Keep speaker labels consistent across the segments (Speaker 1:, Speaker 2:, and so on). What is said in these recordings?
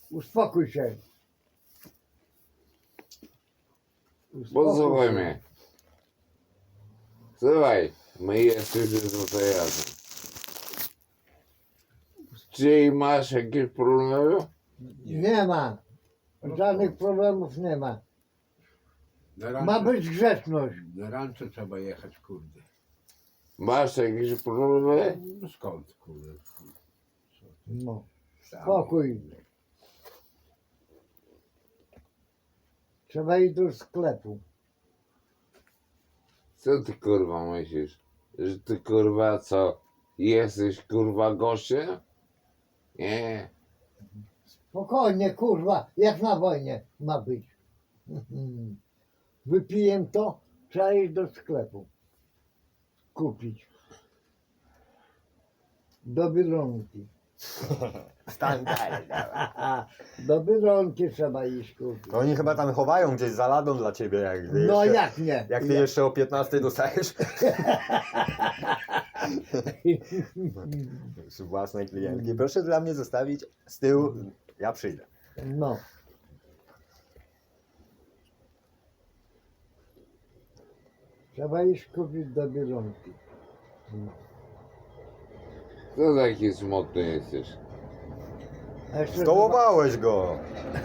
Speaker 1: Uspokój się.
Speaker 2: Posłuchaj mnie. Słuchaj, my jesteśmy tutaj razem. Czy masz jakieś problemy?
Speaker 1: Nie ma. Żadnych problemów nie ma.
Speaker 3: Na
Speaker 1: Ma
Speaker 3: rancho,
Speaker 1: być grzeczność.
Speaker 3: na rancho trzeba jechać, kurde.
Speaker 2: Masz jakieś problemy?
Speaker 3: No skąd, kurde?
Speaker 1: No.
Speaker 3: Sam.
Speaker 1: Spokój. Trzeba iść do sklepu.
Speaker 2: Co ty kurwa myślisz? Że ty kurwa co? Jesteś kurwa gościem? Nie.
Speaker 1: Spokojnie, kurwa, jak na wojnie ma być. Wypiję to, trzeba iść do sklepu. Kupić. Do Biedronki.
Speaker 4: Standard.
Speaker 1: Do Biedronki trzeba iść kupić.
Speaker 4: To oni chyba tam chowają gdzieś za ladą dla ciebie, jak ty
Speaker 1: No
Speaker 4: jeszcze,
Speaker 1: jak nie?
Speaker 4: jak ty jeszcze o 15 dostajesz z własnej klientki. Proszę dla mnie zostawić z tyłu, ja przyjdę.
Speaker 1: No. Trzeba iść kupić do Biedronki.
Speaker 2: Co taki smutny jesteś?
Speaker 1: A jeszcze,
Speaker 4: Zdołowałeś go.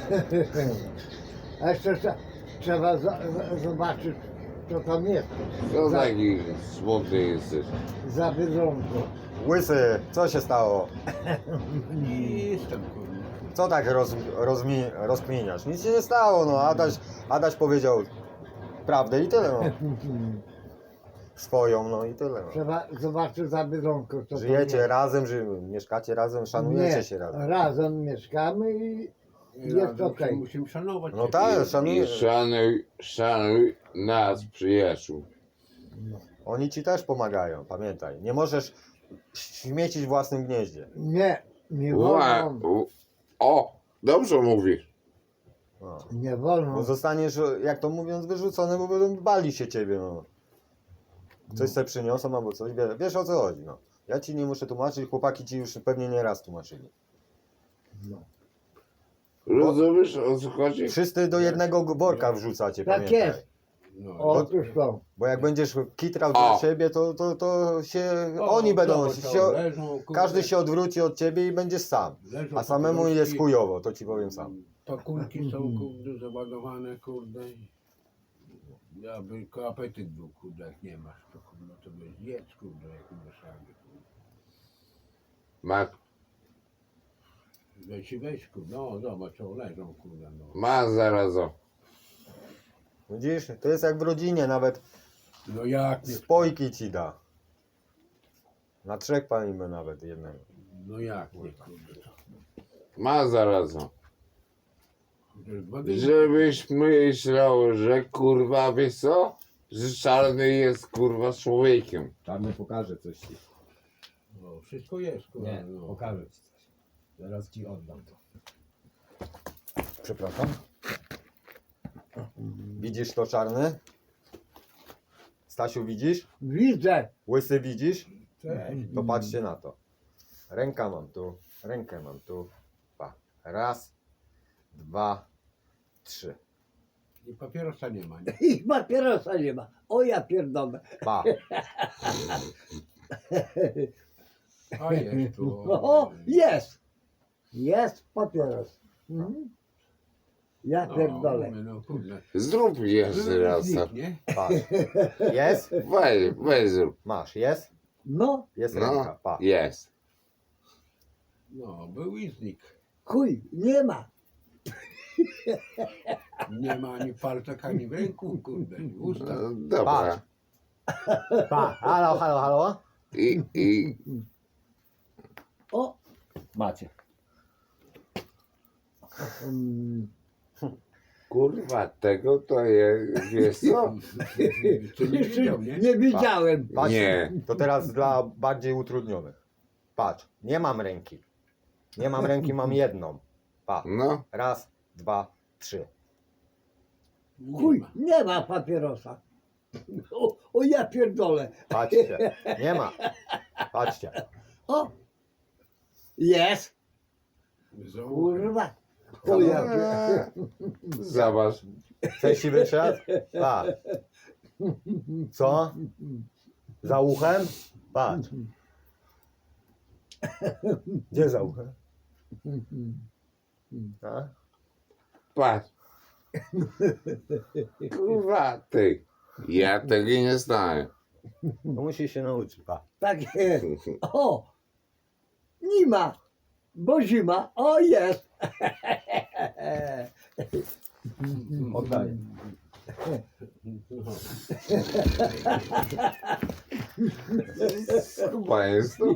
Speaker 1: a jeszcze trzeba zobaczyć, co tam jest.
Speaker 2: Co
Speaker 1: Za,
Speaker 2: taki smutny jesteś?
Speaker 1: za Biedronką.
Speaker 4: Łysy, co się stało?
Speaker 3: Nic tam, kurde.
Speaker 4: Co tak rozkminiasz? Nic się nie stało, no. Adaś powiedział prawdę i tyle, no. Swoją, no i tyle. No.
Speaker 1: Trzeba zobaczyć za Biedronką, co tam
Speaker 4: Żyjecie
Speaker 1: jest.
Speaker 4: razem, mieszkacie razem, szanujecie
Speaker 1: Nie,
Speaker 4: się razem.
Speaker 1: razem mieszkamy i jest
Speaker 3: Razem
Speaker 1: okej.
Speaker 3: się musimy szanować.
Speaker 4: No
Speaker 3: siebie.
Speaker 4: tak,
Speaker 2: I
Speaker 4: szanuję.
Speaker 2: szanuj nas, przyjaciół.
Speaker 4: Oni ci też pomagają, pamiętaj. Nie możesz śmiecić w własnym gnieździe.
Speaker 1: Nie
Speaker 2: Ła,
Speaker 1: wolno.
Speaker 2: o, dobrze mówisz.
Speaker 4: No.
Speaker 1: Nie
Speaker 4: Bo
Speaker 1: wolno.
Speaker 4: zostaniesz, jak to mówiąc, wyrzucony, bo będą bali się ciebie, no. Coś sobie przyniosą albo coś, wiesz o co chodzi, no. Ja ci nie muszę tłumaczyć, chłopaki ci już pewnie nie raz tłumaczyli.
Speaker 1: No.
Speaker 2: Rozumiesz, o co chodzi?
Speaker 4: Wszyscy do jednego worka wrzucacie,
Speaker 1: Tak
Speaker 4: pamiętaj.
Speaker 1: jest.
Speaker 3: No,
Speaker 1: Otóż to.
Speaker 4: Bo jak będziesz kitrał
Speaker 2: O.
Speaker 4: dla siebie, to się,
Speaker 3: no,
Speaker 4: oni będą,
Speaker 3: zobacz,
Speaker 4: się,
Speaker 3: leżą, kurde,
Speaker 4: każdy się odwróci od ciebie i będziesz sam.
Speaker 3: leżą
Speaker 4: A samemu
Speaker 3: pakulki,
Speaker 4: jest chujowo, to ci powiem sam.
Speaker 3: Pakulki są, kurde, załadowane, kurde. Ja by tylko apetyt był, kurde, jak nie masz, to kurde, to byś jedz, kurde, jak mieszamy, kurde.
Speaker 2: Ma,
Speaker 3: Weź, kurde, no zobacz, o, leżą, kurde, no.
Speaker 2: ma zaraz o.
Speaker 4: Widzisz, to jest jak w rodzinie, nawet
Speaker 3: No jak nie,
Speaker 4: spojki ci da. Na 3 palimy nawet jednego.
Speaker 3: no jak nie, kurde, to.
Speaker 2: Ma zaraz o.
Speaker 3: Chociaż 2 dni,
Speaker 2: Żebyś myślał, że kurwa, wiesz co? Że czarny jest kurwa człowiekiem.
Speaker 5: Czarny pokaże coś ci.
Speaker 3: no, wszystko jest, kurde,
Speaker 5: Nie,
Speaker 3: no.
Speaker 5: pokażę ci coś. Zaraz ci oddam to.
Speaker 4: Przepraszam. Widzisz to czarny? Stasiu widzisz?
Speaker 1: Widzę.
Speaker 4: Łysy widzisz?
Speaker 3: Cześć.
Speaker 4: To patrzcie na to. Rękę mam tu, rękę mam tu. Pa. Raz, 2, 3.
Speaker 3: I papierosa nie ma, nie?
Speaker 1: I papierosa nie ma. O ja pierdolę.
Speaker 4: Pa.
Speaker 3: A jest tu.
Speaker 1: O, jest. Jest papieros. Mhm. Ja
Speaker 3: No,
Speaker 1: pierdolę.
Speaker 3: mówię, no kurde.
Speaker 2: Zrób jeszcze raz.
Speaker 3: Nie?
Speaker 4: Patrz. Jest?
Speaker 2: Weź zrób.
Speaker 4: Masz, jest?
Speaker 1: No,
Speaker 4: Jest ręka,
Speaker 2: No,
Speaker 4: pa.
Speaker 2: jest.
Speaker 3: No, był i znikł.
Speaker 1: chuj, nie ma.
Speaker 3: Nie ma ani palcach, ani w ręku, kurde, i w ustach.
Speaker 2: No, dobra.
Speaker 4: Pa. Halo, halo, halo.
Speaker 2: I
Speaker 1: O,
Speaker 5: Macie.
Speaker 1: mm,
Speaker 2: kurwa, tego to jest, wiesz co?
Speaker 3: Co nie widział, nie?
Speaker 1: nie widziałem.
Speaker 4: Patrz.
Speaker 2: Nie.
Speaker 4: To teraz dla bardziej utrudnionych. Patrz, nie mam ręki. Nie mam ręki, mam jedną. Pa.
Speaker 2: No,
Speaker 4: Raz, 2, 3.
Speaker 3: Nie
Speaker 1: Chuj,
Speaker 3: ma.
Speaker 1: nie ma papierosa. O ja pierdolę.
Speaker 4: Patrzcie. Nie ma. Patrzcie.
Speaker 1: O, jest.
Speaker 3: Zauważ.
Speaker 1: Kurwa. chuja.
Speaker 2: Zobacz.
Speaker 4: Chcesz siwy świat? Patrz. Co? Za uchem? Patrz. Gdzie za uchem? A?
Speaker 2: Patrz. Kurwa, ty. Ja tego nie znałem.
Speaker 4: No musisz się nauczyć. Patrz.
Speaker 1: Tak jest. O! Nie ma, bo zima. O, jest.
Speaker 4: Oddaję.
Speaker 2: Chyba jest to.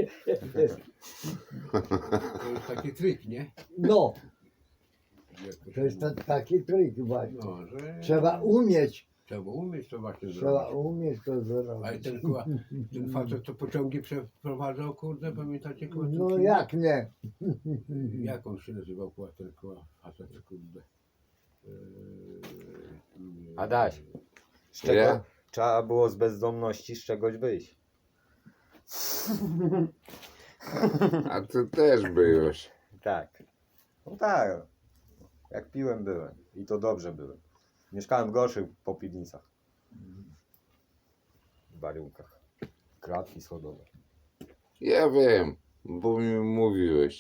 Speaker 3: To jest taki trik, nie?
Speaker 1: No,
Speaker 3: Jak
Speaker 1: to
Speaker 3: się
Speaker 1: jest
Speaker 3: mówi.
Speaker 1: taki trik właśnie.
Speaker 3: No, że
Speaker 1: Trzeba umieć.
Speaker 3: trzeba umieć to właśnie
Speaker 1: Trzeba
Speaker 3: zrobić.
Speaker 1: umieć to
Speaker 3: A i
Speaker 1: zrobić.
Speaker 3: ten, kurwa, ten facet to pociągi przeprowadzał, kurde, pamiętacie, kurwa? ten
Speaker 1: No
Speaker 3: film?
Speaker 1: jak nie?
Speaker 3: Jak on się nazywał, kurwa, ten kurwa, facet, kurde?
Speaker 4: Adaś. Z czego
Speaker 2: Ja?
Speaker 4: trzeba było z bezdomności z czegoś wyjść.
Speaker 2: A ty też byłeś.
Speaker 4: Tak. No tak. Jak piłem byłem. I to dobrze byłem. Mieszkałem w gorszych popiwnicach. W baryłkach. Klatki schodowe.
Speaker 2: Ja wiem, bo mi mówiłeś.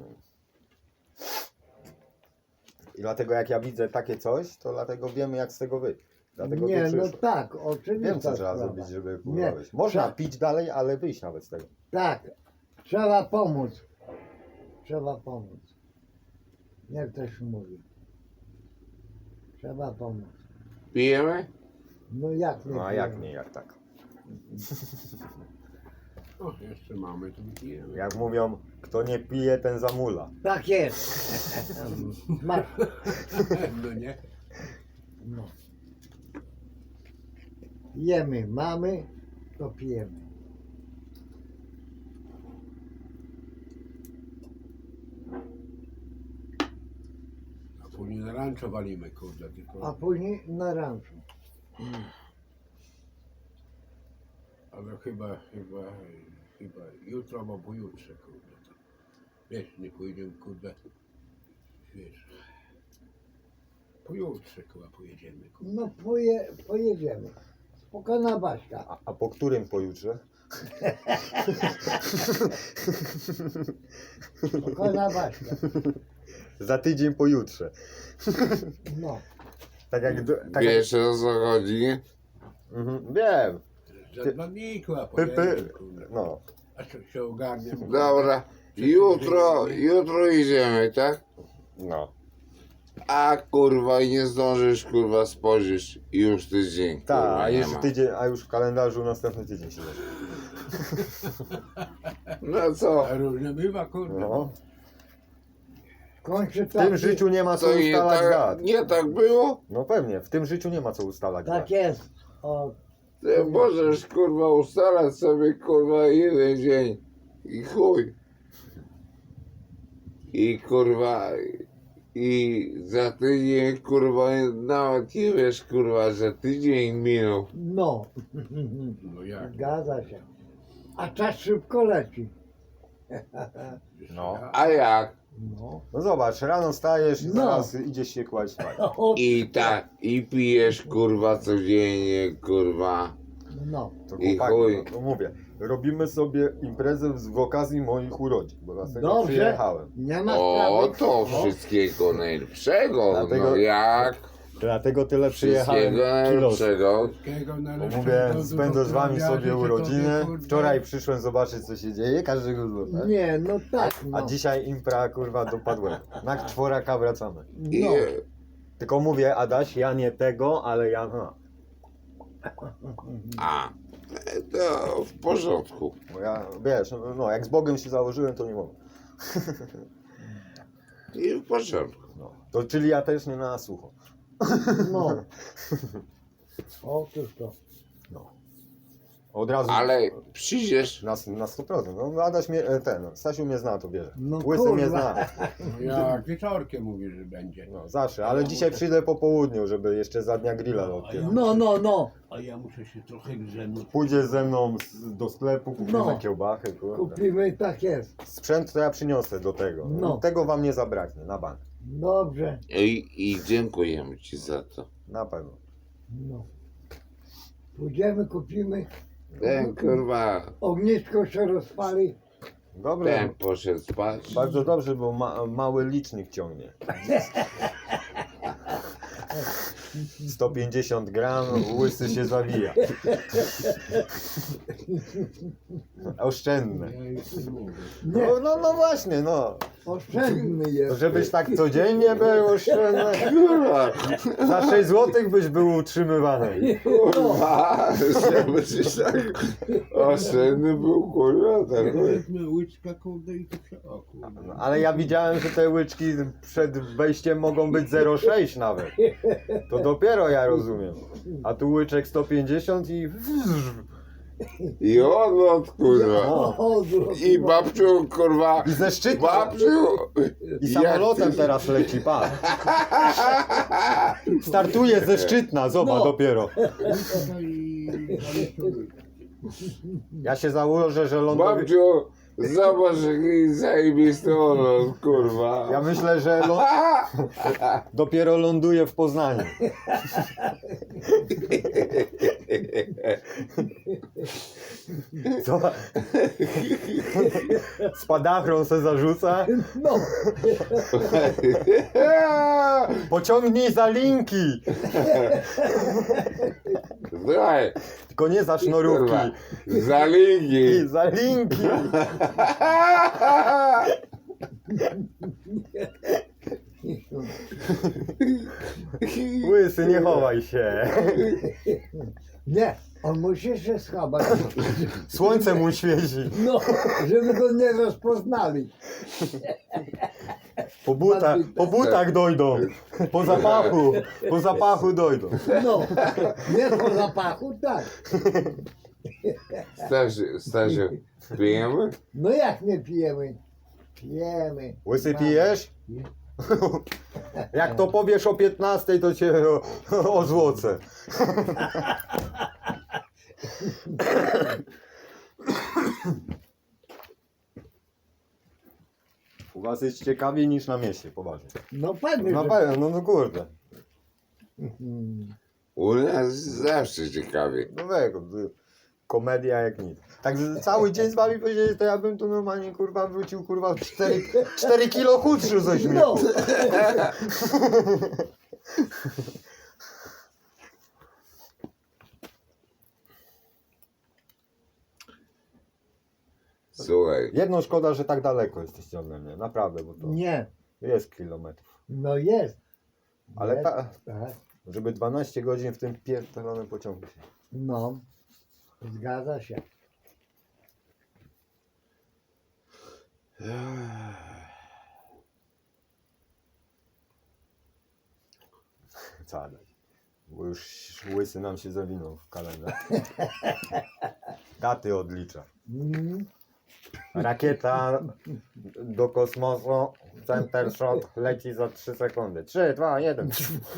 Speaker 4: I dlatego jak ja widzę takie coś, to dlatego wiemy jak z tego wyjść. Dlatego
Speaker 1: Nie,
Speaker 4: tu
Speaker 1: no
Speaker 4: przyszło.
Speaker 1: tak, oczywiście.
Speaker 4: Wiem co trzeba
Speaker 1: sprawa.
Speaker 4: zrobić, żeby
Speaker 1: Nie,
Speaker 4: kurwa wyjść. Można
Speaker 1: trzeba-
Speaker 4: pić dalej, ale wyjść nawet z tego.
Speaker 1: Tak, trzeba pomóc. Trzeba pomóc. Jak też mówi. Trzeba pomóc.
Speaker 2: Pijemy?
Speaker 1: No jak nie?
Speaker 4: No a jak nie, jak tak.
Speaker 3: O, jeszcze mamy, to wypijemy.
Speaker 4: Jak mówią, kto nie pije, ten zamula.
Speaker 1: Tak jest. Masz.
Speaker 3: No nie?
Speaker 1: No. Jemy, mamy, to pijemy.
Speaker 3: A później na ranczo walimy, kurde, tylko.
Speaker 1: A później na ranczu.
Speaker 3: Ale chyba jutro albo pojutrze, kurde. To. Wiesz, nie pójdziemy, kurde. Wiesz. Pojutrze, kurwa, pojedziemy, kurde.
Speaker 1: No pojedziemy. Spokojna Baśka.
Speaker 4: A po którym pojutrze?
Speaker 1: Spokojna Baśka.
Speaker 4: Za tydzień pojutrze.
Speaker 1: No.
Speaker 4: Tak jak... Tak jak
Speaker 2: Wiesz o co chodzi?
Speaker 4: wiem.
Speaker 3: Za 2 dni, kurwa,
Speaker 4: Py,
Speaker 3: pojedziemy,
Speaker 4: py.
Speaker 3: kurde.
Speaker 4: No.
Speaker 3: A co się ogarnie?
Speaker 2: Dobra, jutro idziemy, tak?
Speaker 4: No.
Speaker 2: A kurwa i nie zdążysz kurwa spojrzeć i już tydzień
Speaker 4: Tak,
Speaker 2: kurwa
Speaker 4: a
Speaker 2: nie
Speaker 4: już
Speaker 2: ma.
Speaker 4: tydzień, a już w kalendarzu następny tydzień się zacznie.
Speaker 2: No co?
Speaker 3: A różnie bywa, kurde.
Speaker 4: No.
Speaker 1: Kończy
Speaker 4: W tym życiu nie ma co
Speaker 2: To
Speaker 4: ustalać dat.
Speaker 2: nie tak było?
Speaker 4: No pewnie, w tym życiu nie ma co ustalać
Speaker 1: Tak
Speaker 4: dat.
Speaker 1: jest. O,
Speaker 2: Ty możesz kurwa ustalać sobie kurwa jeden dzień i chuj. I kurwa i za tydzień kurwa nawet nie wiesz kurwa, że tydzień minął.
Speaker 1: no.
Speaker 3: No jak?
Speaker 1: Zgadza się. A czas szybko leci.
Speaker 4: No.
Speaker 2: A jak?
Speaker 1: No.
Speaker 4: No zobacz, rano stajesz i
Speaker 1: No.
Speaker 4: zaraz idziesz się kłaść spać.
Speaker 1: O,
Speaker 2: I tak, i pijesz kurwa codziennie kurwa.
Speaker 1: no.
Speaker 4: To
Speaker 2: I
Speaker 4: chłopaki,
Speaker 2: chuj.
Speaker 4: no to mówię, robimy sobie imprezę z okazji moich urodzin, bo dlatego
Speaker 1: Dobrze.
Speaker 4: przyjechałem.
Speaker 1: Nie ma
Speaker 2: O,
Speaker 1: sprawy.
Speaker 2: to
Speaker 1: No.
Speaker 2: wszystkiego najlepszego.
Speaker 4: Dlatego-
Speaker 2: No jak?
Speaker 4: Dlatego tyle przyjechałem
Speaker 2: Wszystkiego
Speaker 4: kilos.
Speaker 2: najlepszego.
Speaker 3: Wszystkiego
Speaker 4: Bo
Speaker 3: najlepszego,
Speaker 4: mówię,
Speaker 3: do
Speaker 4: spędzę z wami
Speaker 3: zdrowia,
Speaker 4: sobie
Speaker 3: życzę
Speaker 4: urodziny.
Speaker 3: tobie, kurde.
Speaker 4: Wczoraj przyszłem zobaczyć co się dzieje, każdego złota.
Speaker 1: Nie, no tak. No.
Speaker 4: A dzisiaj impra kurwa dopadłem. Na czworaka wracamy.
Speaker 2: I,
Speaker 1: No.
Speaker 4: Tylko mówię, Adaś, ja nie tego, ale ja no.
Speaker 2: a, to w porządku.
Speaker 4: Bo ja, wiesz, no jak z Bogiem się założyłem, to nie mogę.
Speaker 2: I w porządku.
Speaker 4: No. To czyli ja też nie na sucho.
Speaker 1: No. Otóż to.
Speaker 4: No. Od razu.
Speaker 2: Ale przyjdziesz,
Speaker 4: Na 100%. No Adaś mnie, Stasiu mnie zna, to bierze.
Speaker 1: No
Speaker 4: Łysy
Speaker 1: kurwa.
Speaker 4: mnie zna.
Speaker 3: No jak wieczorkiem mówisz, że będzie.
Speaker 4: No, zawsze, ale dzisiaj przyjdę po południu, żeby jeszcze za dnia grilla odpierać.
Speaker 1: No.
Speaker 3: A ja muszę się trochę grzemnąć.
Speaker 4: Pójdziesz ze mną do sklepu, kupimy
Speaker 1: No.
Speaker 4: kiełbachy, kurde.
Speaker 1: Kupimy, tak jest.
Speaker 4: Sprzęt to ja przyniosę do tego.
Speaker 1: No.
Speaker 4: Tego wam nie zabraknie, na bank.
Speaker 1: Dobrze.
Speaker 2: I dziękujemy ci za to.
Speaker 4: Na pewno.
Speaker 1: No. Pójdziemy, kupimy.
Speaker 2: Ten kurwa,
Speaker 1: Ognisko się rozpali.
Speaker 4: Dobrze.
Speaker 2: ten poszedł spać.
Speaker 4: Bardzo dobrze, bo mały licznik ciągnie. 150 gram, łysy się zawija. Oszczędne.
Speaker 3: Ja już nie mówię.
Speaker 1: Nie,
Speaker 4: No właśnie, no.
Speaker 1: oszczędny jest.
Speaker 4: Żebyś tak codziennie był oszczędny.
Speaker 2: Kurwa,
Speaker 4: Za 6 zł byś był utrzymywany.
Speaker 2: kurwa, żeby się tak oszczędny był, kurwa, tak.
Speaker 3: Weźmy łyczka, kurde, i to przy oku.
Speaker 4: No, ale ja widziałem, że te łyczki przed wejściem mogą być 0,6 nawet. To dopiero ja rozumiem. A tu łyczek 150 i...
Speaker 2: I odlot, kurwa.
Speaker 1: O,
Speaker 2: I babciu, kurwa,
Speaker 4: I ze szczytu.
Speaker 2: babciu.
Speaker 4: I samolotem
Speaker 2: jak ty-
Speaker 4: teraz leci, pan. Startuje ze Szczytna, zobacz
Speaker 1: No.
Speaker 4: dopiero.
Speaker 3: Łyczka i zaliczony.
Speaker 4: Ja się założę, że ląduje...
Speaker 2: Babciu, zobacz jaki zajebisty odlot, kurwa.
Speaker 4: Ja myślę, że dopiero ląduje w Poznaniu. Co? Spadachron se zarzuca.
Speaker 1: no.
Speaker 4: Pociągnij za linki.
Speaker 2: Słuchaj,
Speaker 4: Tylko nie za sznurówki.
Speaker 2: kurwa, za ligi.
Speaker 4: I za linki. Łysy, nie chowaj się.
Speaker 1: Nie, on musi się schować.
Speaker 4: Słońce mu świeci.
Speaker 1: No, żeby go nie rozpoznali.
Speaker 4: Po butach dojdą. Po zapachu dojdą.
Speaker 1: No, nie po zapachu, tak.
Speaker 2: Stasiu, pijemy?
Speaker 1: No jak nie pijemy? Pijemy.
Speaker 4: Łysy pijesz? Jak to powiesz o 15, to cię ozłocę. U was jest ciekawiej niż na mieście, poważnie.
Speaker 1: No pewnie,
Speaker 4: Na
Speaker 1: że...
Speaker 4: pewno, no kurde.
Speaker 1: Mm.
Speaker 2: U nas zawsze ciekawie.
Speaker 4: No wego, komedia jak nic. Także cały dzień z wami powiedzieli, to ja bym tu normalnie kurwa wrócił kurwa 4 kilo chudszy ze śmiechu.
Speaker 1: No,
Speaker 2: Słuchaj,
Speaker 4: Jedną szkoda, że tak daleko jesteście ode mnie, naprawdę, bo to
Speaker 1: nie.
Speaker 4: jest kilometrów.
Speaker 1: No jest.
Speaker 4: Ale
Speaker 1: Jest,
Speaker 4: ta,
Speaker 1: tak.
Speaker 4: żeby 12 godzin w tym pierdolonym pociągu się.
Speaker 1: No, zgadza się.
Speaker 4: Wcale. Bo już łysy nam się zawinął w kalendarz. Daty odlicza.
Speaker 1: Mm.
Speaker 4: Rakieta do kosmosu, center shot leci za 3 sekundy. 3, 2, 1.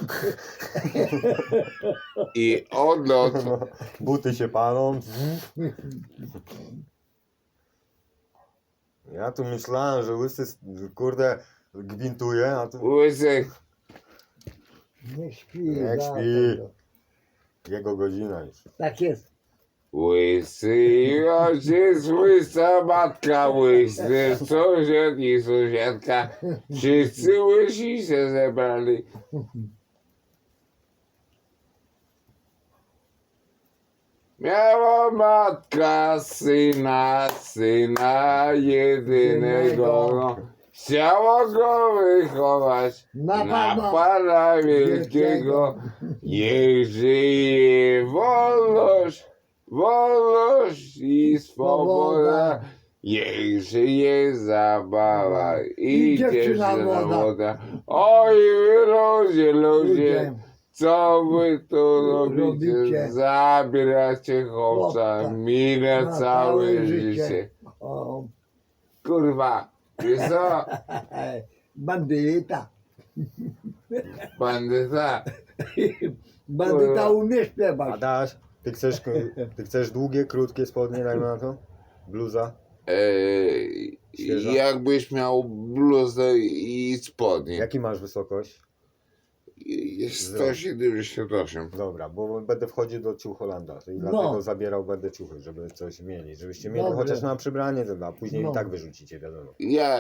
Speaker 2: i odlot.
Speaker 4: Buty się palą. Ja tu myślałem, że łysy kurde gwintuje, a tu
Speaker 2: Łysy,
Speaker 1: Nie śpi.
Speaker 4: Niech
Speaker 1: za
Speaker 4: śpi.
Speaker 1: to.
Speaker 4: jego godzina już.
Speaker 1: Tak jest.
Speaker 2: łysy ojciec, łysa matka, łysy sąsiad i sąsiadka. Wszyscy łysi się zebrali. Miała matka syna jedynego. No. Chciała go wychować
Speaker 1: Na
Speaker 2: na
Speaker 1: Pana
Speaker 2: Pana Wielkiego. Niech żyje wolność i swoboda. Niech żyje zabawa i dziewczyna młoda. Oj, wy ludzie, co wy tu robicie?
Speaker 1: Robicie.
Speaker 2: Zabieracie chłopca,
Speaker 1: Chłopca.
Speaker 2: minę
Speaker 1: Na
Speaker 2: całe
Speaker 1: całe
Speaker 2: życie.
Speaker 1: życie. O,
Speaker 2: Kurwa, wiesz co?
Speaker 1: bandyta.
Speaker 2: Bandyta.
Speaker 1: Bandyta umie śpiewać.
Speaker 4: Adaś, ty chcesz długie, krótkie spodnie, dajmy na to? Bluza? Świeża?
Speaker 2: Jakbyś miał bluzę i spodnie.
Speaker 4: Jaki masz wysokość?
Speaker 2: Jest 178.
Speaker 4: Dobra, bo będę wchodził do ciuch Holanda i
Speaker 1: No.
Speaker 4: dlatego zabierał będę ciuchy, żeby coś mieli. Żebyście mieli
Speaker 1: Dobrze.
Speaker 4: chociaż na przybranie, a później
Speaker 1: No.
Speaker 4: i tak wyrzucicie, wiadomo.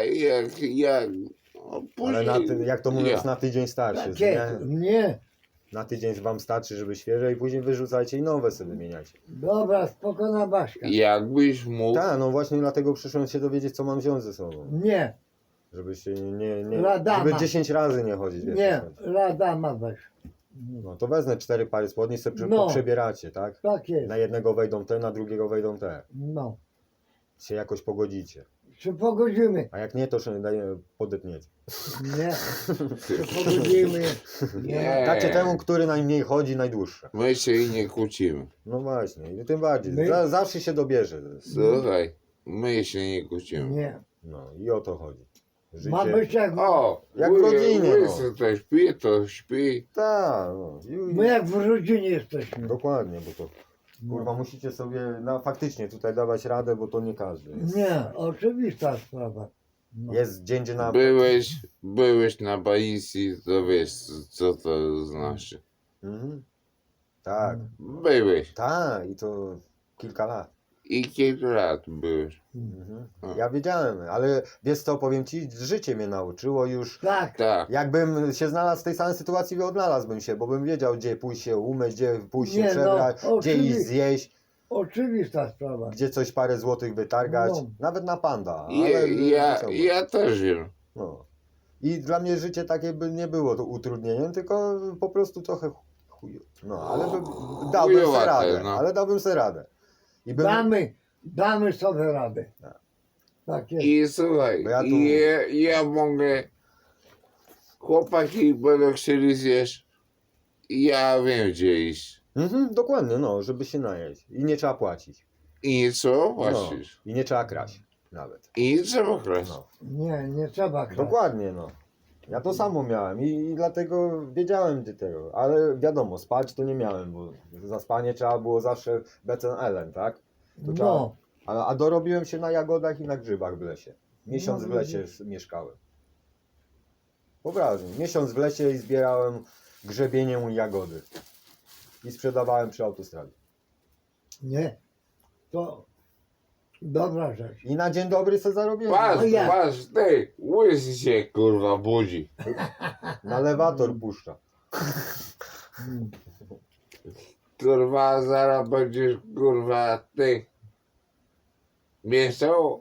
Speaker 2: No, później,
Speaker 4: Ale jak to mówiąc, na tydzień starszy.
Speaker 1: Takie,
Speaker 4: Nie?
Speaker 1: nie.
Speaker 4: Na tydzień wam starczy, żeby świeże i później wyrzucajcie i nowe sobie wymieniacie.
Speaker 1: Dobra, spokojna Baśka.
Speaker 2: Jakbyś mógł,
Speaker 4: Tak, no właśnie dlatego przyszłem się dowiedzieć, co mam wziąć ze sobą.
Speaker 1: Nie,
Speaker 4: Żebyście nie
Speaker 1: Radama.
Speaker 4: żeby 10 razy nie chodzić. wiesz,
Speaker 1: nie,
Speaker 4: co chodzi.
Speaker 1: Radama weź.
Speaker 4: No to wezmę 4 pary spodni, sobie
Speaker 1: No.
Speaker 4: przebieracie, tak?
Speaker 1: Tak jest,
Speaker 4: Na jednego wejdą te, na drugiego wejdą te.
Speaker 1: no.
Speaker 4: Się jakoś pogodzicie.
Speaker 1: Czy pogodzimy?
Speaker 4: A jak nie, to się podetniecie.
Speaker 1: Nie. Czy pogodzimy?
Speaker 2: Nie.
Speaker 4: Dacie temu, który najmniej chodzi, najdłuższe.
Speaker 2: my się i nie kłócimy.
Speaker 4: No właśnie, i tym bardziej.
Speaker 1: My-
Speaker 4: Zawsze się dobierze.
Speaker 2: Słuchaj, my się nie kłócimy.
Speaker 1: Nie.
Speaker 4: No i o to chodzi. Życie...
Speaker 1: Ma być jak,
Speaker 2: O,
Speaker 4: Jak w rodzinie,
Speaker 2: łysy to śpi, to śpi.
Speaker 4: Tak, no.
Speaker 1: my jak w rodzinie jesteśmy.
Speaker 4: Dokładnie, bo to kurwa musicie sobie faktycznie tutaj dawać radę, bo to nie każdy.
Speaker 1: Nie, oczywista sprawa. No.
Speaker 4: Jest dzień, gdzie na...
Speaker 2: Byłeś na Baisi, to wiesz co to znaczy.
Speaker 4: Mhm. Tak,
Speaker 2: Byłeś.
Speaker 4: tak i to kilka lat.
Speaker 2: I kilka lat byłeś.
Speaker 4: Mhm.
Speaker 2: A.
Speaker 4: Ja wiedziałem, ale wiesz co, powiem ci, życie mnie nauczyło już.
Speaker 1: Tak,
Speaker 2: Tak.
Speaker 4: Jakbym się znalazł w tej samej sytuacji, odnalazłbym się, bo bym wiedział, gdzie pójść się umyć, gdzie pójść się
Speaker 1: Nie, no,
Speaker 4: przebrać, gdzie
Speaker 1: oczywiście.
Speaker 4: iść zjeść,
Speaker 1: oczywista sprawa.
Speaker 4: gdzie coś parę złotych wytargać,
Speaker 1: No.
Speaker 4: nawet na panda.
Speaker 2: Ja też wiem.
Speaker 4: No. I dla mnie życie takie by nie było to utrudnieniem, tylko po prostu trochę chuj. No, ale dałbym sobie
Speaker 2: Chujowate,
Speaker 4: radę,
Speaker 2: no.
Speaker 4: ale dałbym sobie radę. I bym,
Speaker 1: Damy sobie radę.
Speaker 4: Tak.
Speaker 1: Tak jest.
Speaker 2: I słuchaj,
Speaker 4: Bo ja tu-
Speaker 2: ja mogę. Chłopaki będą chcieli zjeść. Ja wiem gdzie iść.
Speaker 4: dokładnie, no, żeby się najeść. I nie trzeba płacić.
Speaker 2: I co?
Speaker 4: No.
Speaker 2: Płacisz.
Speaker 4: I nie trzeba kraść nawet.
Speaker 2: I nie trzeba kraść.
Speaker 4: No.
Speaker 1: Nie trzeba kraść.
Speaker 4: Dokładnie, no. Ja to samo miałem i dlatego wiedziałem tego, ale wiadomo, spać to nie miałem, bo za spanie trzeba było zawsze becen elen, tak? To
Speaker 1: No,
Speaker 4: A dorobiłem się na jagodach i na grzybach w lesie. Miesiąc
Speaker 1: No,
Speaker 4: w lesie mieszkałem. Poważnie, miesiąc w lesie i zbierałem grzebieniem jagody. I sprzedawałem przy autostradzie.
Speaker 1: nie. To dobra rzecz.
Speaker 4: I na dzień dobry sobie zarobiłem.
Speaker 2: Patrz,
Speaker 1: No ja.
Speaker 2: patrz, ty, łysy się kurwa budzi.
Speaker 4: Na lewator puszcza.
Speaker 1: Mm.
Speaker 2: Kurwa, zaraz będziesz kurwa ty. Mieszał?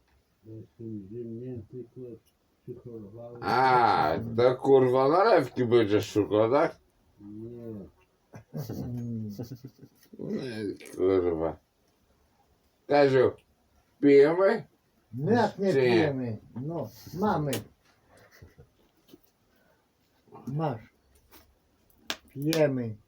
Speaker 2: A, to kurwa nalewki będziesz szukał, tak?
Speaker 1: Mm.
Speaker 2: Nie, kurwa. Kaziu, pijemy?
Speaker 1: No jak nie
Speaker 2: Czy nie?
Speaker 1: pijemy? No, mamy. Masz. Pijemy.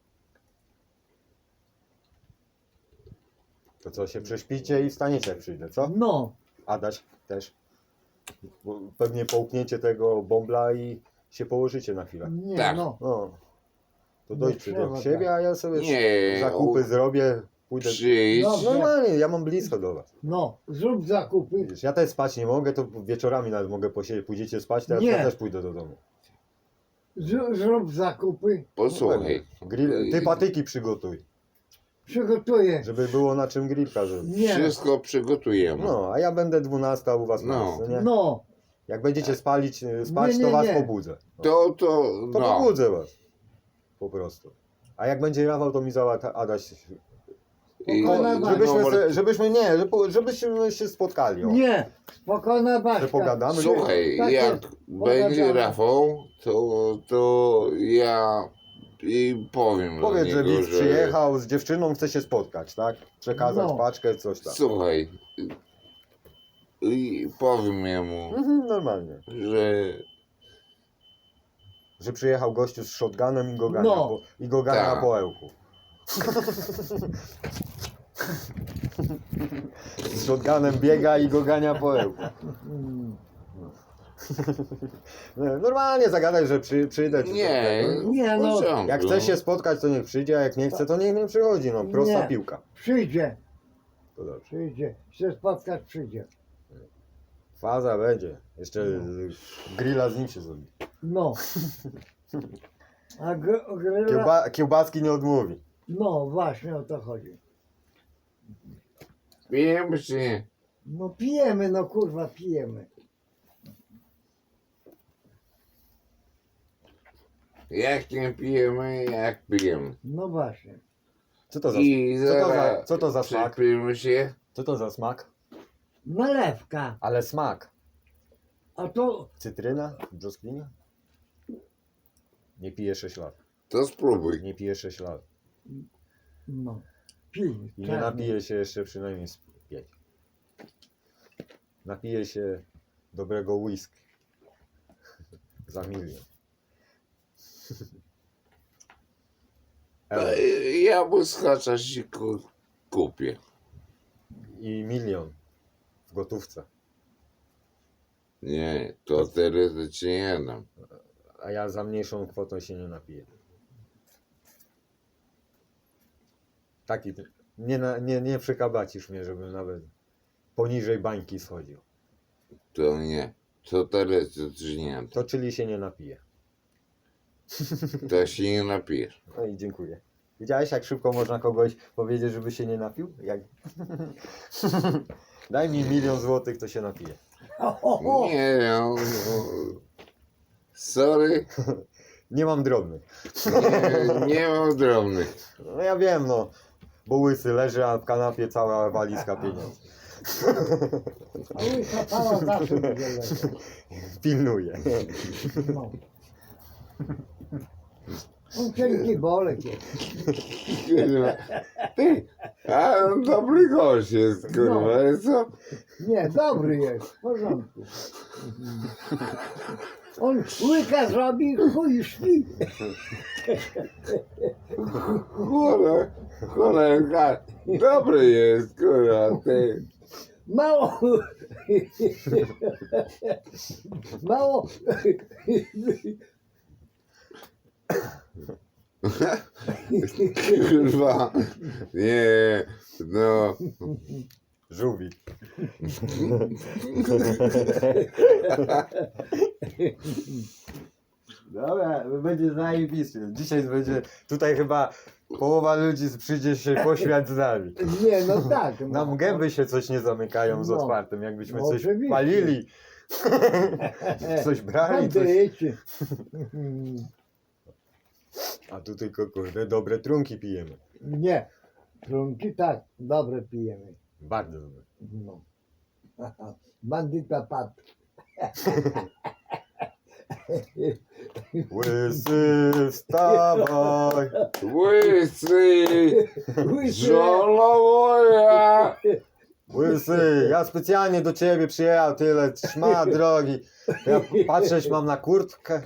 Speaker 4: To co, się prześpicie i wstaniecie jak przyjdę, co?
Speaker 1: No,
Speaker 4: Adaś też. Bo pewnie połkniecie tego bąbla i się położycie na chwilę.
Speaker 1: nie
Speaker 2: Tak.
Speaker 1: no.
Speaker 4: No. To
Speaker 1: Nie
Speaker 4: dojdźcie do
Speaker 1: trzeba
Speaker 4: siebie,
Speaker 1: tak.
Speaker 4: a ja sobie
Speaker 2: Nie,
Speaker 4: zakupy zrobię, pójdę.
Speaker 2: Przyjdź.
Speaker 1: No.
Speaker 4: Normalnie, ja mam blisko do was.
Speaker 1: No, zrób zakupy.
Speaker 4: Widzisz, ja też spać nie mogę, to wieczorami nawet mogę posiedzieć. Pójdziecie spać, to
Speaker 1: Nie.
Speaker 4: ja też pójdę do domu.
Speaker 1: Zrób zakupy.
Speaker 2: Posłuchaj.
Speaker 4: Ty patyki przygotuj,
Speaker 1: Przygotuję.
Speaker 4: żeby było na czym grillka zrobić.
Speaker 1: Nie.
Speaker 2: Wszystko przygotujemy.
Speaker 4: No, a ja będę 12 u was
Speaker 2: No.
Speaker 4: na noc, nie?
Speaker 1: No,
Speaker 4: Jak będziecie spać,
Speaker 1: Nie,
Speaker 4: to was
Speaker 1: nie.
Speaker 4: pobudzę. No.
Speaker 2: To
Speaker 4: To
Speaker 2: no.
Speaker 4: pobudzę was. Po prostu. A jak będzie rawał, to mi załata Adaś.
Speaker 2: I-
Speaker 1: Spokojna Baśka.
Speaker 4: Żebyśmy się spotkali. O.
Speaker 1: nie. Spokojna
Speaker 4: Że
Speaker 1: Baśka.
Speaker 4: pogadamy.
Speaker 2: Słuchaj,
Speaker 1: Tak
Speaker 2: jak
Speaker 1: jest.
Speaker 2: będzie
Speaker 1: Pogadamy.
Speaker 2: Rafał, to ja i powiem
Speaker 4: Powiedz,
Speaker 2: do
Speaker 4: że
Speaker 2: niego,
Speaker 4: widz przyjechał z dziewczyną, chce się spotkać, tak? Przekazać
Speaker 1: No.
Speaker 4: paczkę, coś tam.
Speaker 2: Słuchaj, i powiem jemu,
Speaker 4: Normalnie.
Speaker 2: że
Speaker 4: Że przyjechał gościu z shotgunem i go gania,
Speaker 1: No.
Speaker 4: i go gania
Speaker 2: Tak.
Speaker 4: na poełku. Z shotgunem biega i go gania po ełku.
Speaker 1: Mm.
Speaker 4: Normalnie zagadaj, że przyjdę. czy
Speaker 2: nie,
Speaker 4: coś, tak?
Speaker 1: Nie,
Speaker 2: w
Speaker 1: no.
Speaker 2: porządku.
Speaker 4: Jak chce się spotkać, to niech przyjdzie, a jak nie chce, to niech nie przychodzi. No, prosta
Speaker 1: Nie.
Speaker 4: piłka.
Speaker 1: Przyjdzie.
Speaker 4: To dobrze.
Speaker 1: Przyjdzie. Chce spotkać, przyjdzie.
Speaker 4: Faza będzie. Jeszcze grilla z nim się zrobi.
Speaker 1: No. A gryla...
Speaker 4: Kiełbaski nie odmówi.
Speaker 1: No właśnie o to chodzi.
Speaker 2: Pijemy czy nie?
Speaker 1: No pijemy, no kurwa pijemy.
Speaker 2: Jak nie pijemy, jak pijemy.
Speaker 1: No właśnie.
Speaker 4: Co to za,
Speaker 2: I zaraz
Speaker 4: co to za smak?
Speaker 2: przypijmy się.
Speaker 4: Co to za smak?
Speaker 1: Nalewka.
Speaker 4: Ale smak.
Speaker 1: A to
Speaker 4: Cytryna? Brzoskwinia? Nie piję 6 lat.
Speaker 2: To spróbuj.
Speaker 4: Nie piję 6 lat.
Speaker 1: no. Pij.
Speaker 4: I nie
Speaker 1: czarny.
Speaker 4: napiję się jeszcze przynajmniej z 5. Napiję się dobrego whisky. Za milion.
Speaker 2: To ja błyskacza się kupię.
Speaker 4: I milion w gotówce.
Speaker 2: Nie, to teoretycznie nie dam.
Speaker 4: A ja za mniejszą kwotą się nie napiję. Taki, nie przekabacisz mnie, żebym nawet poniżej bańki schodził.
Speaker 2: To nie. To teoretycznie nie dam.
Speaker 4: To czyli się nie napije.
Speaker 2: To się nie napijesz.
Speaker 4: No i dziękuję. Widziałeś, jak szybko można kogoś powiedzieć, żeby się nie napił? Jak... Daj mi 1 000 000 złotych, to się napiję.
Speaker 2: Nie, no. Sorry,
Speaker 4: Nie mam drobnych.
Speaker 2: nie mam drobnych.
Speaker 4: No ja wiem, no. Bo łysy leży, a w kanapie cała walizka pieniędzy.
Speaker 1: A łysa cała zawsze będzie leżeć.
Speaker 4: Pilnuje.
Speaker 1: No. On cienki bolek jest.
Speaker 2: Kurwa. Ty, a on dobry gość jest, kurwa, co?
Speaker 1: Nie, dobry jest, w porządku. On łyka zrobi, chuj śpi.
Speaker 2: Cholera, dobry jest, kurwa, ty.
Speaker 1: Mało. Mało.
Speaker 2: Kurwa, nie, no.
Speaker 4: Żółwik. Dobra, będzie zajebiście. Dzisiaj będzie, tutaj chyba połowa ludzi przyjdzie się poświat z nami.
Speaker 1: Nie, no tak. No.
Speaker 4: Nam gęby się coś nie zamykają z
Speaker 1: No.
Speaker 4: otwartym, jakbyśmy
Speaker 1: No,
Speaker 4: coś
Speaker 1: oczywiście.
Speaker 4: palili, coś brali, coś...
Speaker 1: Bandyci.
Speaker 4: A tu tylko, kurde, dobre trunki pijemy.
Speaker 1: Nie. Trunki tak, dobre pijemy.
Speaker 4: Bardzo dobre.
Speaker 1: No. Bandyta padł.
Speaker 4: Łysy, wstawaj!
Speaker 2: Łysy, żono moja.
Speaker 4: Łysy, ja specjalnie do ciebie przyjechał, tyle szmat drogi. Ja patrzeć mam na kurtkę.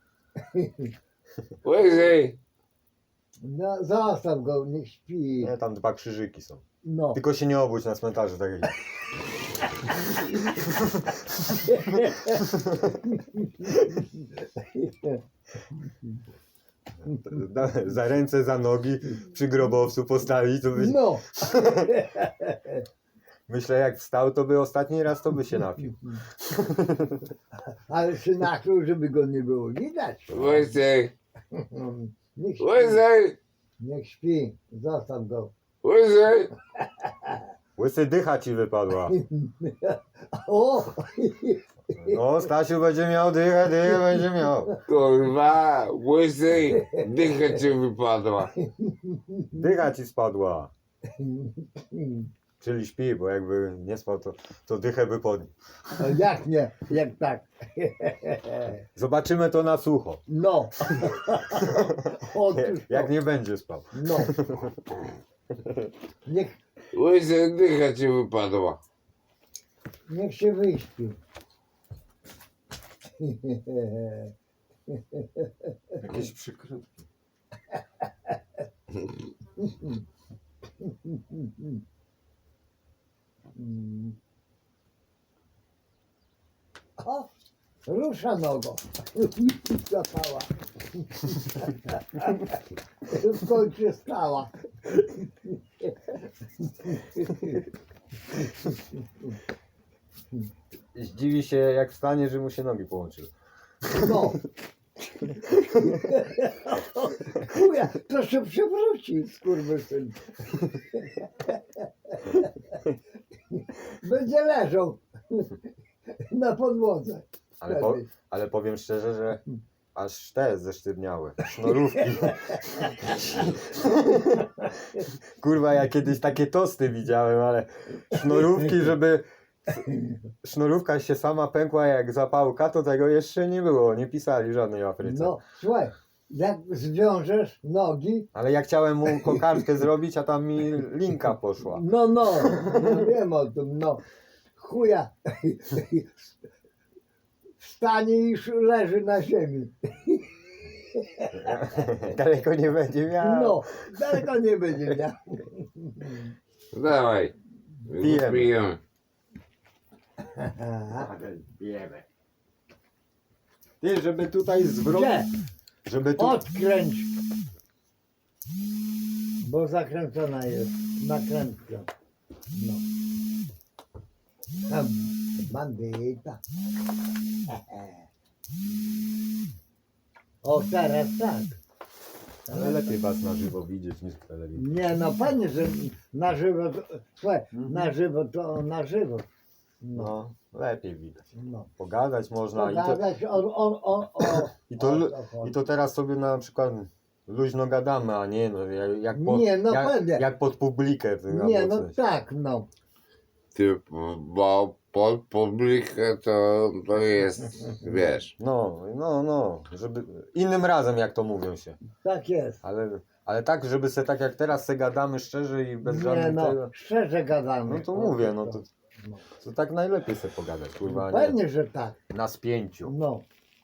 Speaker 2: Łysy,
Speaker 1: No, zostaw go, niech śpi.
Speaker 4: Nie, tam 2 krzyżyki są.
Speaker 1: No.
Speaker 4: Tylko się nie obudź na cmentarzu, tak jak... Za ręce, za nogi przy grobowcu postawić, to by...
Speaker 1: No.
Speaker 4: Myślę, jak wstał, to by ostatni raz to by się napił.
Speaker 1: Ale się nakrył, żeby go nie było widać.
Speaker 2: łysy,
Speaker 1: Niech śpi.
Speaker 2: łysy,
Speaker 1: Niech śpi. Zostaw go.
Speaker 2: łysy.
Speaker 4: Łysy, dycha ci wypadła.
Speaker 1: O!
Speaker 4: No, Stasiu będzie miał dychę, dychę będzie miał.
Speaker 2: Kurwa, łysy, dycha ci wypadła.
Speaker 4: Dycha ci spadła. Czyli śpi, bo jakby nie spał, to dychę by podniósł.
Speaker 1: No jak nie? Jak tak?
Speaker 4: Zobaczymy to na sucho.
Speaker 1: No. Otóż
Speaker 4: Jak
Speaker 1: to.
Speaker 4: nie będzie spał.
Speaker 1: No.
Speaker 2: Łysy, dycha ci wypadła.
Speaker 1: Niech się wyśpi.
Speaker 4: Jakieś przykrutki.
Speaker 1: O! Rusza nogą. Zapała. W końcu stała.
Speaker 4: zdziwi się jak wstanie, że mu się nogi połączyły.
Speaker 1: No. Chuja, to się przewróci, skurwysyn. Będzie leżał na podłodze.
Speaker 4: Ale powiem szczerze, że aż te zesztywniały. Sznurówki. Kurwa, ja kiedyś takie tosty widziałem, ale sznurówki, żeby... Sznurówka się sama pękła jak zapałka, to tego jeszcze nie było. Nie pisali żadnej w Afryce.
Speaker 1: No, słuchaj, jak zwiążesz nogi,
Speaker 4: Ale ja chciałem mu kokardkę zrobić, a tam mi linka poszła.
Speaker 1: no, ja wiem o tym, no. Chuja. Wstanie i już leży na ziemi.
Speaker 4: Daleko nie będzie miał.
Speaker 1: No, daleko nie będzie miał.
Speaker 2: Dawaj.
Speaker 4: Pijemy.
Speaker 2: Pijemy.
Speaker 4: Wiemy. Ty, żeby tutaj zwrócić.
Speaker 1: Gdzie?
Speaker 4: Żeby tu.
Speaker 1: Odkręć. Bo zakręcona jest nakrętka. No. Tam, bandyta. O, teraz tak.
Speaker 4: Ale lepiej was na żywo widzieć niż w telewizji.
Speaker 1: Nie, no panie, że na żywo, to, słuchaj, na żywo to na żywo. No,
Speaker 4: No, lepiej widać.
Speaker 1: no.
Speaker 4: Pogadać można
Speaker 1: Pogadać o.
Speaker 4: i to teraz sobie na przykład luźno gadamy, a nie no,
Speaker 1: Nie, no pewnie.
Speaker 4: jak pod publikę.
Speaker 1: Nie,
Speaker 4: albo
Speaker 1: no
Speaker 4: coś.
Speaker 1: tak, no.
Speaker 2: Ty, bo pod publikę to jest, wiesz.
Speaker 4: No, żeby innym razem jak to mówią się.
Speaker 1: Tak jest.
Speaker 4: Ale tak, żeby se tak jak teraz se gadamy szczerze i bez
Speaker 1: Nie,
Speaker 4: żadnych
Speaker 1: no,
Speaker 4: tego.
Speaker 1: szczerze gadamy.
Speaker 4: No to mówię, no to,
Speaker 1: No.
Speaker 4: to tak najlepiej se pogadać, kurwa, a nie
Speaker 1: Pewnie, że tak.
Speaker 4: na spięciu.
Speaker 1: No.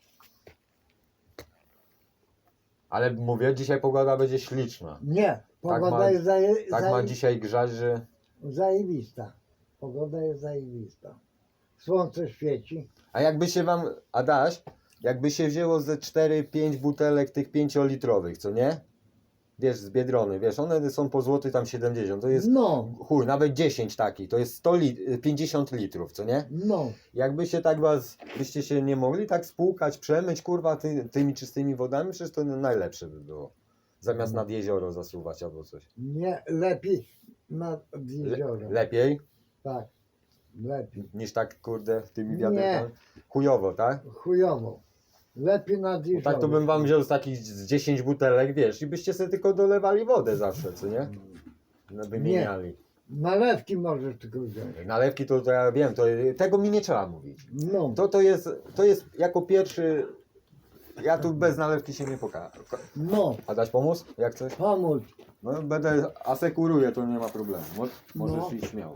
Speaker 4: Ale mówię, dzisiaj pogoda będzie śliczna.
Speaker 1: Nie, pogoda
Speaker 4: ma-
Speaker 1: jest
Speaker 4: Tak ma dzisiaj grzać, że
Speaker 1: zajebista. Pogoda jest zajebista. Słońce świeci.
Speaker 4: A jakby się wam, Adaś, jakby się wzięło ze 4-5 butelek tych 5-litrowych, co nie? Wiesz, z Biedrony, wiesz, one są po złoty tam 70, to jest
Speaker 1: No,
Speaker 4: chuj, nawet 10 takich, to jest 50 litrów, co nie?
Speaker 1: no.
Speaker 4: Jakby się tak byście się nie mogli tak spłukać, przemyć, kurwa, tymi czystymi wodami, przecież to najlepsze by było. Zamiast nad jezioro zasuwać albo coś.
Speaker 1: Nie, lepiej nad jeziorem.
Speaker 4: Lepiej
Speaker 1: Tak, lepiej.
Speaker 4: niż tak, kurde, tymi
Speaker 1: Nie.
Speaker 4: wiatrami. Chujowo, tak?
Speaker 1: Chujowo. Lepiej nad
Speaker 4: Bo
Speaker 1: jeziorem.
Speaker 4: tak to bym wam wziął z takich z 10 butelek, wiesz, i byście sobie tylko dolewali wodę zawsze, co nie? No, wymieniali.
Speaker 1: Nalewki możesz tylko wziąć.
Speaker 4: Nalewki to ja wiem, tego mi nie trzeba mówić.
Speaker 1: No,
Speaker 4: To jest jako pierwszy, ja tu bez nalewki się nie pokażę.
Speaker 1: no.
Speaker 4: A dać pomóc? Jak coś?
Speaker 1: Pomóż.
Speaker 4: No będę, asekuruję, to nie ma problemu. Możesz
Speaker 1: No.
Speaker 4: iść śmiało.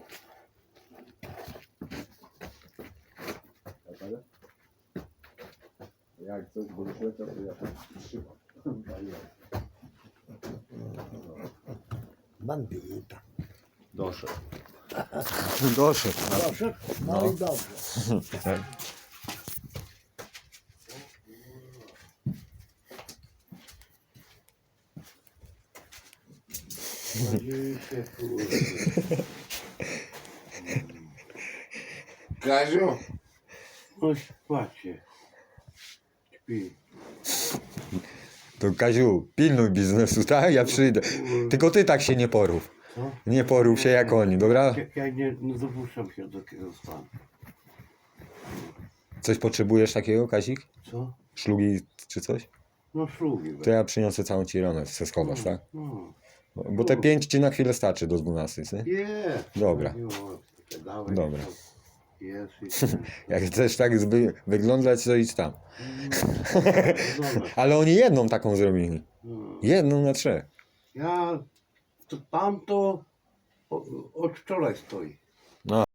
Speaker 4: Jak coś burszy, to ja tam trzymam.
Speaker 1: Bandyta.
Speaker 4: Doszedł. Doszedł.
Speaker 1: Proszę? No i dobrze.
Speaker 2: Kaziu?
Speaker 3: Chodź, płacie. Śpi.
Speaker 4: To Kaziu, pilnuj biznesu, tak? Ja przyjdę. Tylko ty tak się nie porów.
Speaker 3: Co?
Speaker 4: Nie porów się jak oni, dobra?
Speaker 3: Ja nie dopuszczam się do takiego stanu.
Speaker 4: Coś potrzebujesz takiego, Kazik?
Speaker 3: Co?
Speaker 4: Szlugi czy coś?
Speaker 3: No szlugi.
Speaker 4: To ja przyniosę całą ci ramę, se schowasz, tak?
Speaker 3: No.
Speaker 4: Bo te 5 ci na chwilę starczy do 12, nie?
Speaker 3: Jest.
Speaker 4: Dobra.
Speaker 3: Dałeś,
Speaker 4: Dobra.
Speaker 3: Jest i
Speaker 4: Jak chcesz tak wyglądać, to idź tam.
Speaker 3: Dobra.
Speaker 4: Ale oni jedną taką zrobili.
Speaker 3: No.
Speaker 4: Jedną na 3.
Speaker 3: Ja, to tamto od wczoraj stoi.